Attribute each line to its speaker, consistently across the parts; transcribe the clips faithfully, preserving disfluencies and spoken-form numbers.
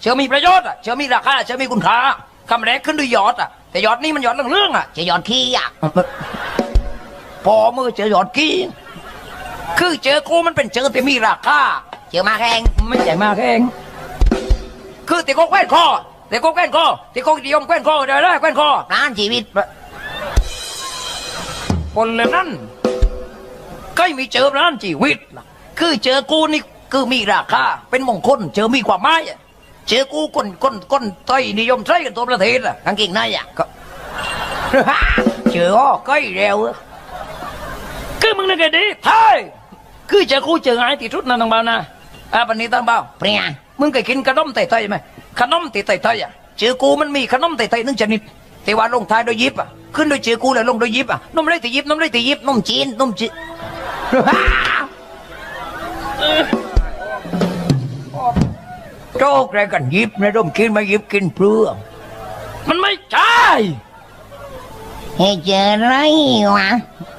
Speaker 1: เชื่อมีประโยชน์อ่ะเชื่อมีราคาเชื่อมีคุณค่าคำแรกขึ้นด้วยยอดอ่ะแต่ยอดนี่มันยอดเรื่องๆอ่ะจะยอดขี้อ่ะพอมือเจอยอดขี้คือเจอกูมันเป็นเจอแต่มีราคาเจอมาแข่งไม่ใช่มาแข่งคือติโกแกว้นคอติโกแกว้นคอติโกนิยมแกว้นคอเดี๋ยวได้แกว้นคอร้านชีวิตคนเลยนั้นก็มีเจอร้านชีวิตคือเจอกูนี่คือมีราคาเป็นมงคลเจอมีความหมายเจอกูคนคนคนไทยนิยมใช้กันตัวประเทศอ่ะกางเกงในอ่ะก็เจออ้อก้อยเร็วคือมึงนึกไงดีเฮ้ยคือเจอกูเจอไงที่ชุดนั่นต่างเบานะอ่ะปันนี้ต่างเบาเปลี่ยนมึงเคยกินขนมไทยๆไหมขนมไทยๆอ่ะเจอกูมันมีขนมไทยๆนึงชนิดแต่ว่าลงท้ายโดยยิบอ่ะขึ้นโดยเจอกูแล้วลงโดยยิบอ่ะนมเลยตียิบนมเลยตียิบนมจีนนมจีนโจ๊กอะไรกันยิบนะร่มกินมายิบกินเปลือกมันไม่ใช่ให้เจออะไรวะ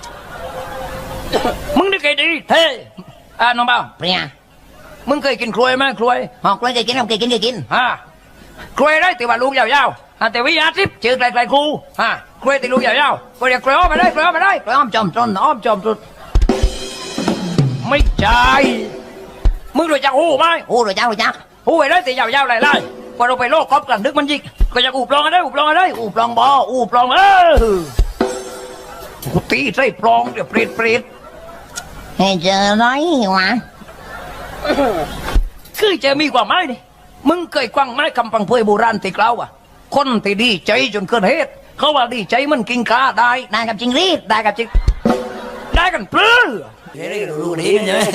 Speaker 1: มึงได้เคยดีเท่อ่าน้องเบาเปลี่ยมึงเคยกินกล้วยไหมกล้วยอ๋อกล้วยเคยกินผมเคยกินเคยกินฮะกล้วยได้แต่ว่าลูกยาวๆฮะแต่วิญญาณทิพย์เจอไกลๆครูฮะกล้วยแต่ลูกยาวๆก็เรียกกล้วยอ้อมมาได้กล้วยอ้อมมาได้กล้วยอ้อมจอมต้นอ้อมจอมต้นไม่ใช่มึงรู้จักหูไหมหูรู้จักรู้จักหูไอ้ได้แต่ยาวๆไหลๆพอเราไปโลกครอบกันนึกมันยิกก็จะอูบลองอะไรอูบลองอะไรอูบลองบ่อูบลองเออกูตีใส่ปลองเดี๋ยวเปรตเปรตให้เจออะไรวะคือจะมีกว่าไม้ดิมึงเคยควังไม้คำพังเพยโบราณติกเล่าอ่ะคนที่ดีใจจนเกินเหตุเขาว่าดีใจมันกินกาได้ได้กับจริงรีดได้กับจริงได้กันปลื้อเฮ้ยรู้ดีกันใช่ไหม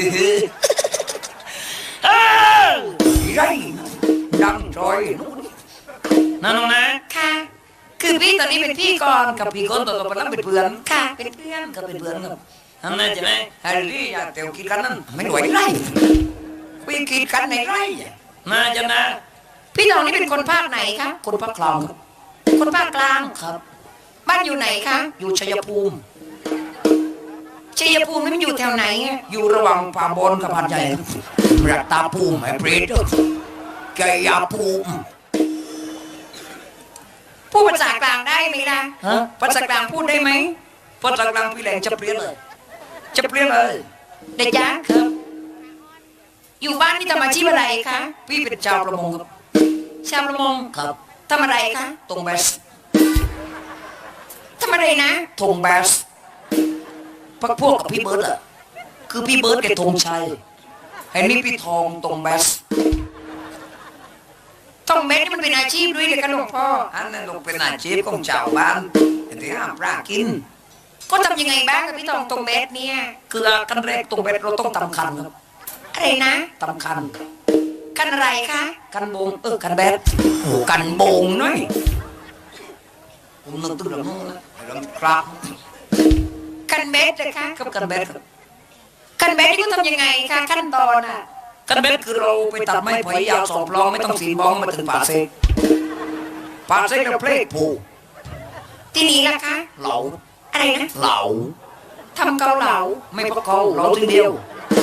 Speaker 1: เออไรดังจอยนั่นน้องนะค่ะคือพี่ตอนนี้เป็นพี่ก่อนกับพี่คนต่อไปแล้วเป็นเพื่อนค่ะเป็นเพื่อนกับเป็นเพื่อนกับนั่นนะใช่ไหมแฮร์รี่อยากเตียวกินกันนั่นไม่ไหวไรไปกินกันในไรน่าจะนะพี่ตองนี่เป็นคนภาคไหนคะคนภาคกลางครับคนภาคกลางครับบ้านอยู่ไหนคะอยู่ชัยภูมิชัยภูมินี่มันอยู่แถวไหนอยู่ระหว่างป่าบนกับพันใหญ่รัตตาภูมิไอ้เปรตแกยาภูมิพูดภาษากลางได้ไหมล่ะภาษากลางพูดได้ไหมภาษากลางพี่แหลงจะเปลี่ยนเลยจะเปลี่ยนเลยเด็กยักษ์ครับอยู่บ้านนี่ทำอาชีพอะไรคะพี่เป็นชาวประมงครับชาวประมงครับทำอะไรคะตรงแบสทำอะไรนะทงแบสพักพวกกับพี่เบิร์ดอะคือพี่เบิร์ดกับธงชัยไอ้นี่พี่ทองตรงแบสทองแบสนี่มันเป็นอาชีพด้วยเลยกันหลวงพ่ออันนั้นลงเป็นอาชีพของชาวบ้านที่ห้ามปลากินก็ทำยังไงบ้างกับพี่ทองตรงแบสเนี่ยคือขั้นแรกตรงแบสเราต้องทำคันครับอะไรนะทำคันคันอะไรคะคันโบงเออคันแบสโอ้คันโบงน้อยผมนึกตึ้งแล้วมั้งครับคันเบสเลยคะกับคันเบสคันเบสนี่ก็ทำยังไงคะขั้นตอนอ่ะคันเบสคือเราไปตัดไม้ไผ่ยาวสองปลองไม่ต้องสีบองมาถึงป่าเซกป่าเซกเราเพลกผูที่นี่ล่ะคะเหลาอะไรนะเหลาทำเกาเหลาไม่พอเกาเหลาทีเดียว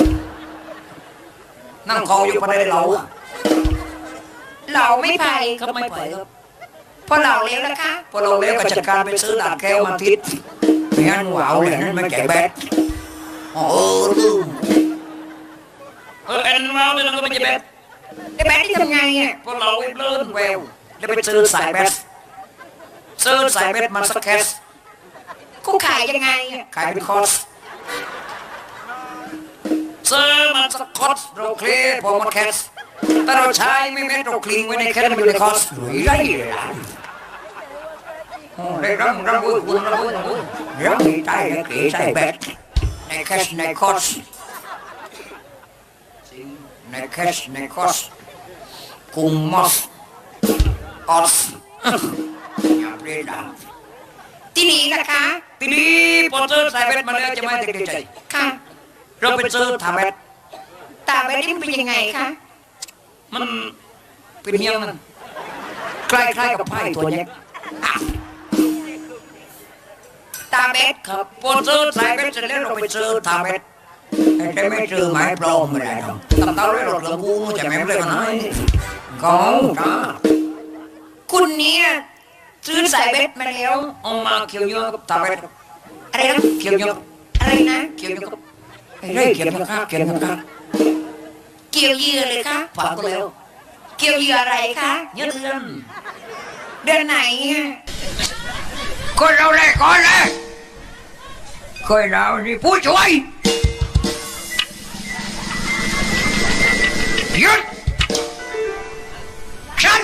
Speaker 1: นั่งคออยู่ภายในเหลาเหลาไม่ไผ่ก็ไม่ไผ่ครับพอเหลาเลี้ยวนะคะพอเราเลี้ยวก็จัดการไปซื้อดาบแก้วมาทิศไม่งั้นหวาวเลยนั่นไม่แก่แบดอ๋อลืมเออเอ็นวาวเลยนั่นก็ไม่แก่แบดไอ้แบดที่ทำไงอ่ะพอเราเลื่อนแววแล้วไปซื้อสายแบดซื้อสายแบดมาสักแคสกูขายยังไงอ่ะขายเป็นคอร์สซื้อมาสักคอร์สเราเคลียร์พอหมดแคสแต่เราใช้ไม่แม้เราคลีนไว้ในแคสมันอยู่ในคอร์สหรือไรล่ะได้รับรับบุญบุญรับบุญบุญรับมีใจในเกศใส่แบดในแคสในคอร์สในแคสในคอร์สกุมมอสออสอย่าเปลี่ยนดังที่นี่นะคะที่นี่พอเจอใส่แบดมาแล้วจะไม่ติดใจค่ะเราไปเจอทาแบดตาแบดนี่มันเป็นยังไงคะมันเป็นเงี้ยมันคล้ายๆกับไพ่ตัวเล็กตาเบ็ดครับพอเจอสายเบ็ดเสร็จแล้วเราไปเจอตาเบ็ดแต่ไม่เจอไม้ปลอมอะไรหรอกตำเต้าเลยหลดหลงกูจะไม่เลยกันไหน
Speaker 2: ก็จ้า
Speaker 1: คุณเนี่ยซื้อสายเบ็ดมาแล้ว
Speaker 2: เอามาเขียวเยอะกับตาเป็ด
Speaker 1: อะไรนะ
Speaker 2: เขียวเยอะ
Speaker 1: อะไรนะ
Speaker 2: เขียวเยอะกับไอ้เร่เขียวนะครับเขียวนะครับ
Speaker 1: เกี่ยวเหยื่อเลยคะ
Speaker 2: ฝากก็แล้ว
Speaker 1: เกี่ยวเหยื่ออะไรคะ
Speaker 2: เยอะเดือน
Speaker 1: เดือนไหนอะ
Speaker 2: คนเราเลยก่อนเลยเคยเรานี่ผู้ช่วยหยุดใช่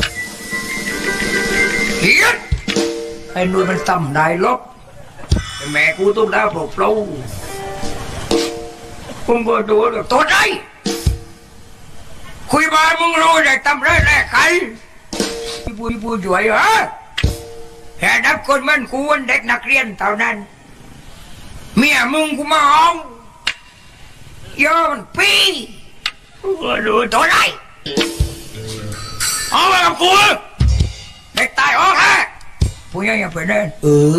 Speaker 2: หยุดไอ้นู่นมันต่ำได้ลบแม่กูต้องได้ปลุกเปล่าผมก็ดูแล้วตัวไหนคุยมามึงรู้ได้ตำไรแรกใครผู้ผู้ช่วยเหรอแค่นับคนมันกูวันเด็กนักเรียนเท่านั้นเมียมึงกูมาห้องย้อนปีก็ดูตัวไหนเอาไปกับกูเด็กตายออกฮะผู้ยังยังเป็นเดินเออ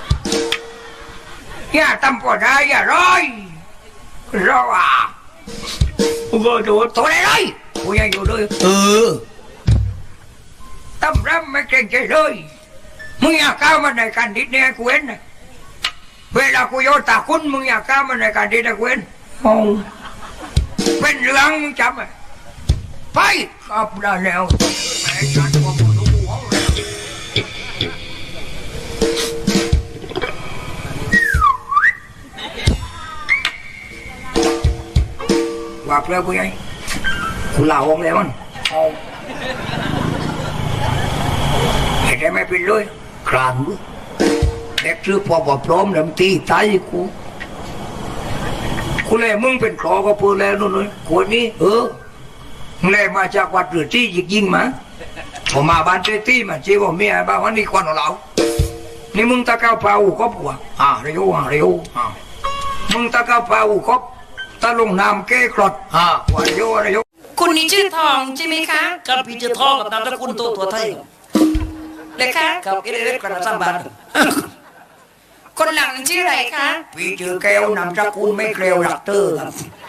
Speaker 2: อย่าทำปวดได้อย่าร้อยรออ่ะก็ดูตัวไหนเลยผู้ยังอยู่ด้วยเออตั้มรำไม่เก่งใจเลยมึงอยากก้าวมาในการดิดเนี่ยกูเห็นนะเวลากูโยนตาคุณมึงอยากก้าวมาในการดิดนะกูเห็นโอ้เป็นเรื่องมึงจำไหมไปครับได้แล้วแม่ฉันว่ามึงรู้หัวแล้วว่าเพื่อกูยังกูลาออกแล้วมันเอาเห็นได้ไหมเป็นเลยครานมึงเด็กซื้อพอบอกพร้อมแล้วมันตีตายกูกูเลยมึงเป็นครอก็พูดแล้วนู่นเลยคนนี้เออมึงเลยมาจากวัดหรือที่ยิงยิงมาผมมาบ้านเจตี้มาเจ้าบอกเมียบ้านวันนี้ควันของเรานี่มึงตะเกาเปล่าก็ปวดอ่าเร็วอ่าเร็วอ่ามึงตะเกาเปล่าก็ตะลงน้ำเก้กรดอ่าวันโยอะไรโย
Speaker 1: คุณนี่ชื่อทองใช่ไหมคะ
Speaker 2: กับพี่เจ้าทองกับนามสกุลตัวตัวไทย
Speaker 1: เลยคะ
Speaker 2: กับเอเล็กกระสังบาน
Speaker 1: คนหลังนั้นชื่ออะไรคะ
Speaker 2: พี่ชื่อแก้วนามสกุลไม่เกลียวหลักเตอร์ครับ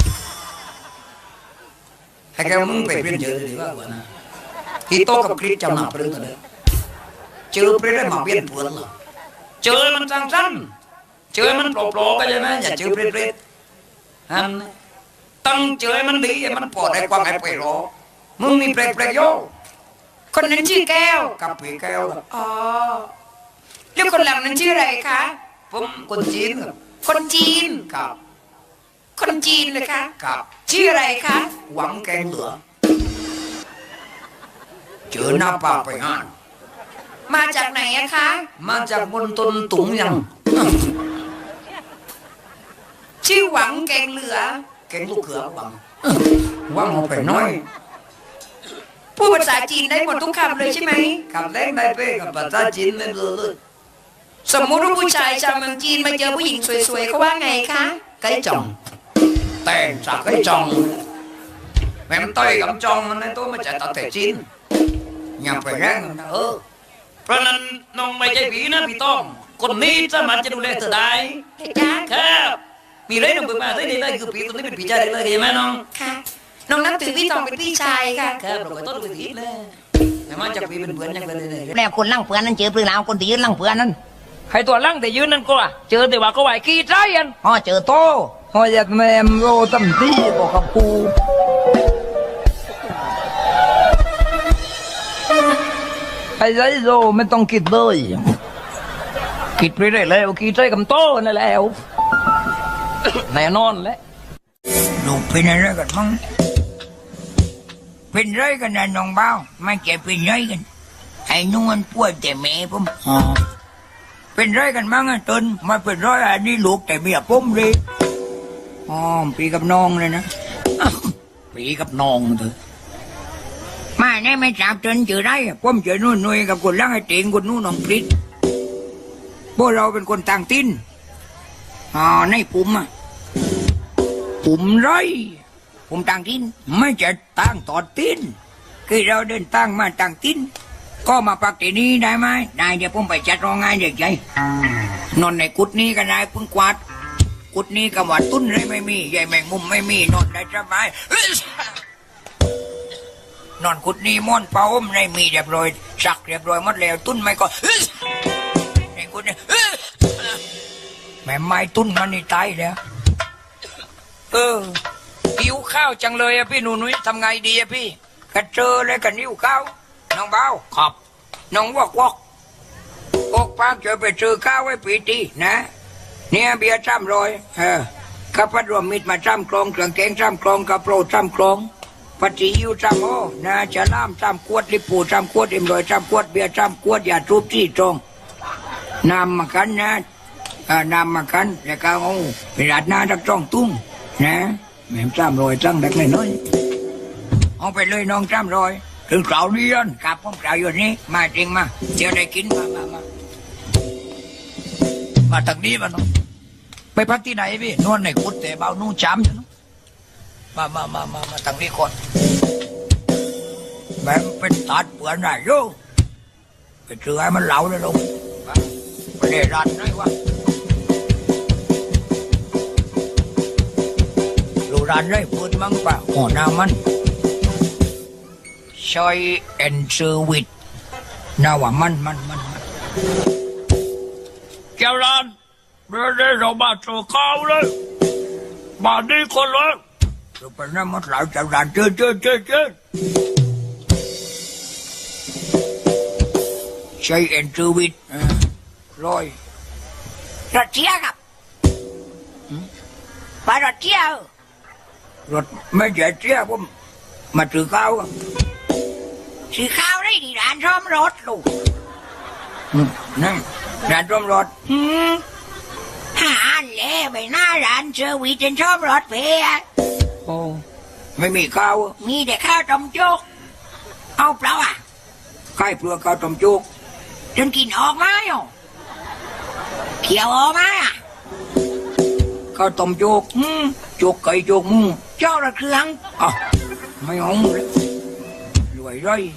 Speaker 2: ให้แกมึงไปเปลี่ยนเจอดีกว่านะที่โตกับคริสจำหนาเปลี่ยนเลยเจอเปลี่ยนได้มาเปลี่ยนเปลือนเหรอเจอมันสั้นๆเจอมันโปร่งๆก็ใช่ไหมอย่าเจอเปลี่ยนเปลี่ยนฮันตั้งเจอมันดีมันปลอดได้ความไอ้ไปรอมึงมีเปลี่ยนเปลี่ยนโย
Speaker 1: คนนั้นชื่อแก้ว
Speaker 2: กับพี่แก้ว
Speaker 1: อ๋อแล้วคนหลังนั้นชื่ออะไรคะ
Speaker 2: ผมคนจีนครับ
Speaker 1: คนจีน
Speaker 2: กับ
Speaker 1: คนจีนเลยคะ
Speaker 2: กับ
Speaker 1: ชื่ออะไรคะ
Speaker 2: หวังแกงเหลือเจอหน้าป่าไปงาน
Speaker 1: มาจากไหนอะคะ
Speaker 2: มาจากบนต้นตุงยัง
Speaker 1: ชื่อหวังแกงเหลือ
Speaker 2: แกงลูกเขือหวังหวังเอาไปน้อย
Speaker 1: พูดภาษาจีนได้หมดทุกคำเลยใช่ไหม
Speaker 2: กับแรงได้เป้กับภาษาจีนเลยเลย
Speaker 1: สมมุติว่าผู้ชายชาวเมืองจีนมาเจอผู้หญิงสวยๆเขาว่าไงคะ
Speaker 2: ไก่จ่องแต่งจากไก่จ่องแม่มต้อยกับจ่องมันในตัวมาจากตะเตจีนอย่าไปแรงนะเออเพราะนั้นน้องไม่ใช่ผีนะพี่ต้องคนนี้สามารถจะดูแลเธอได้
Speaker 1: เฮ้ยจ้า
Speaker 2: ครับมีเรื่องหนึ่งมาได้เลยคือผีตัวนี้เป็นผีใจเลยใช่ไหมน้อง
Speaker 1: ค่ะ น้องนับถือพี่ทองเป็นพี่ชายค่ะ
Speaker 2: ครับเราก็ต้องดูผีเลยแต่มันจะผีเป็นเพื่อนยังไงเลย
Speaker 3: แล้วคนล่างเพื่อนนั้นเจอปรือลาวคนที่ยืนล่างเพื่อนนั้น
Speaker 4: ให้ตัวลั่งแต่ยืนนั่นก็อ่ะเจอแต่ว่าก็ไหวขี้ใจยัน
Speaker 3: อ๋อเจอโต
Speaker 4: พออยากแมมโรตั้มที่บอกกับกูไอ้ไรโรไม่ต้องคิดเลยคิดไปได้แล้วขี้ใจกับโตนั่นแล้วแน่นอนแหละ
Speaker 2: ลูกเป็นอะไรกันมั้งเป็นไรกันนะน้องเบ้าไม่ใช่เป็นไรกันไอ้นวลป่วยแต่แม่ผมอ๋อเป็นไรกันมั้งอ่ะตนมาเป็นไรอันนี้ลูกแต่เมียผมเลยอ๋อปีกับน้องเลยนะอ้าวปีกับน้องเถอะมาเนี่ยไม่จับจนเจอได้อะผมเจอนู่นนุ่ยกับคนล่างไอ้เตียงคนนู่นน้องพริษพวกเราเป็นคนต่างตินอ๋อในปุ่มอ่ะ ผมไรผมต่างทินไม่จะตั้งตอดตินคือเราเดินตั้งมาต่างตินก็มาปักที่นี่ได้ไหมได้เดี๋ยวผมไปจัดโรงงานเด็กใหญ่นอนในกุดนี้ก็ได้พึ่งกวาดกุดนี้ก็ว่าตุ้นเลยไม่มีใหญ่แมงมุมไม่มีนอนได้สบายนอนกุดนี่ม่อนเป้าอมในมีเรียบร้อยสักเรียบร้อยหมดแล้วตุ้นไม่ก็ในกุดเนี่ยแม่ไม้ตุ้นมันนี่ตายแล้วเออหิวข้าวจังเลยอะพี่หนูนุ้ยทำไงดีอะพี่กระเจอเลยกันหิวข้าวน้องเบาขอบน้องวอกวอกออกปากจะไปซื้อข้าวไว้ปีตีนะเนี่ยเบียร์จ้ำรอยเออข้าพัดรวมมิตรมาจ้ำกลองเครื่องแกงจ้ำกลองกระโปรงจ้ำกลองปฏิยิวจ้ำโอนะจะล่ามจ้ำขวดลิปูจ้ำขวดเอ็มรอยจ้ำขวดเบียร์จ้ำขวดอย่าทุบที่ตรงนำมากันนะอ่านำมากันแล้วก็เอาไปราดหน้าจักจ้องตุ้งนะแม่จ้ำรอยจ้ำเด็กน้อยเอาไปเลยน้องจ้ำรอยถึงเสาร์นี้ยันกลับผมเสาร์อยู่นี้มาจริงมาเดี๋ยวได้กินมามามามาทางนี้มาเนาะไปพักที่ไหนพี่นวลในกุดแต่เบานู่จ้ำเนาะมามามามามาทางนี้ก่อนแม่เป็นตัดเปลือนไหนโย่ไปเจอให้มันเหลาเลยลงไปเล่รันไหนวะดูรันได้พูดมั้งปะหัวหน้ามันชอยเอ็นเซอร์วิสน่าว่ามันมันมันมันเจ้าร้านเมื่อได้เรามาเจอข้าวเลยมาดีคนเลยเราไปนั่งมัดหลายเจ้าร้านเจอเจอเจอเจอชอยเอ็นเซอร์วิสร้อยรถเที่ยวครับไปรถเที่ยวรถไม่ใช่เที่ยวผมมาถือข้าวครับซื้อข้าวได้ที่ร้านซ่อมรถลูกนั่นร้านซ่อมรถหืมหาอันเล่ไปหน้าร้านเซอร์วิสจนซ่อมรถเพียโอ้ไม่มีข้าวมีแต่ข้าวต้มจุกเอาเปล่าอ่ะใครเปลือกข้าวต้มจุกจนกินออกมาอยู่เขียวออกมาอ่ะข้าวต้มจุกหืมจุกไก่จุกหมูเจ้าละเครื่องอ๋อไม่เอาเลยรวยเลย